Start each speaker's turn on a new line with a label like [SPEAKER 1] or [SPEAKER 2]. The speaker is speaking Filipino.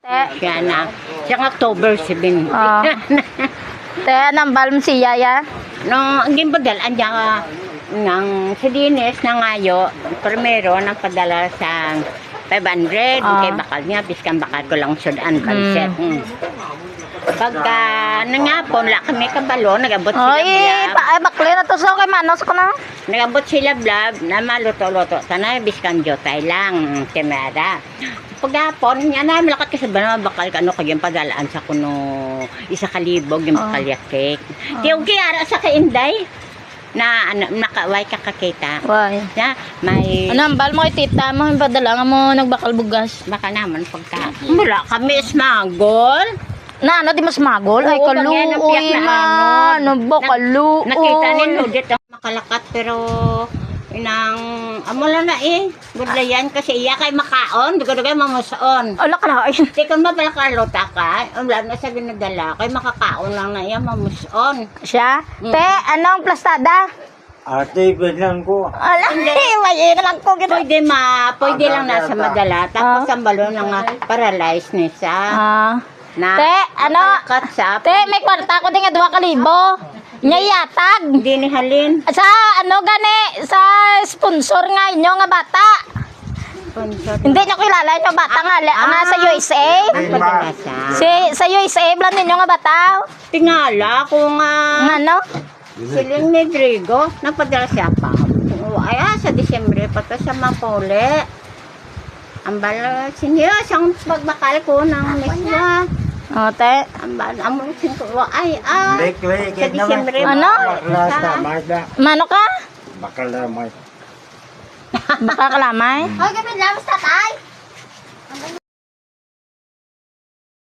[SPEAKER 1] Siya na. Siyang October 7.
[SPEAKER 2] Ah. Te, nambal mo siya ya?
[SPEAKER 1] No, ang gimbadal, andyan ka ng si Dines na ngayo, primero, nang padala sa 500. Kay bakal niya, biskan bakal ko lang sudan, panset. Pagka nangapon, la kami kabalo, nagabot sila blab.
[SPEAKER 2] Bakli na to sa kay Manos ko na.
[SPEAKER 1] Nagabot sila blab, na maluto-luto. Sana, biskan jotay lang, temera. Pagapon, yan na, malakat kasi ba naman bakal ka, ano, kaging padalaan sa kuno, isa kalibog, yung bakal cake. Tiyog kiyara sa kainday, na nakaway kakakita.
[SPEAKER 2] Why?
[SPEAKER 1] Na, may...
[SPEAKER 2] Nambal mo kay tita mo, yung padala nga mo nagbakal bugas.
[SPEAKER 1] Baka naman pagka... Mula kami smagol.
[SPEAKER 2] Na ano, di mas magol? Ay,
[SPEAKER 1] Oo, bagyan ng piyak
[SPEAKER 2] kaluoy
[SPEAKER 1] na
[SPEAKER 2] na. Ano ba, kaluoy?
[SPEAKER 1] Nakita ninyo dito makalakat pero inang amo lang na budlayan kasi iya kay makaon dugay mamuson.
[SPEAKER 2] Ala ka na.
[SPEAKER 1] Di kung mapalakalota ka, wala na sa ginadala kay makakaon lang na iya mamuson.
[SPEAKER 2] Siya? Te, anong plastada?
[SPEAKER 3] Ate, lang ko.
[SPEAKER 2] Ala, may lang ko.
[SPEAKER 1] Pwede lang nasa madala tapos ang balon lang nga paralyzed ni sa na
[SPEAKER 2] Te, ano?
[SPEAKER 1] Te,
[SPEAKER 2] may kwarta ko din nga 2,000. Nyayatag.
[SPEAKER 1] Hindi ni Halin.
[SPEAKER 2] Sa ano gani, sa sponsor nga inyo nga bata. Hindi nyo kilala yung bata nga, sa USA. Sa USA, blan ninyo nga bata.
[SPEAKER 1] Tingala ko nga.
[SPEAKER 2] Nga no?
[SPEAKER 1] Siling ni Drigo, napadala siya pa. Ay, sa Disyembre pa to sa Mapole. Ang bala, sinyo, siyang pagbakal ko ng miswa.
[SPEAKER 2] O, te.
[SPEAKER 1] Ang bala, among singko, sa Disyembre.
[SPEAKER 2] Ano? Mano ka?
[SPEAKER 3] Bakalamay.
[SPEAKER 2] Baka kalamay?
[SPEAKER 1] Hoy, gabi lang, tatay.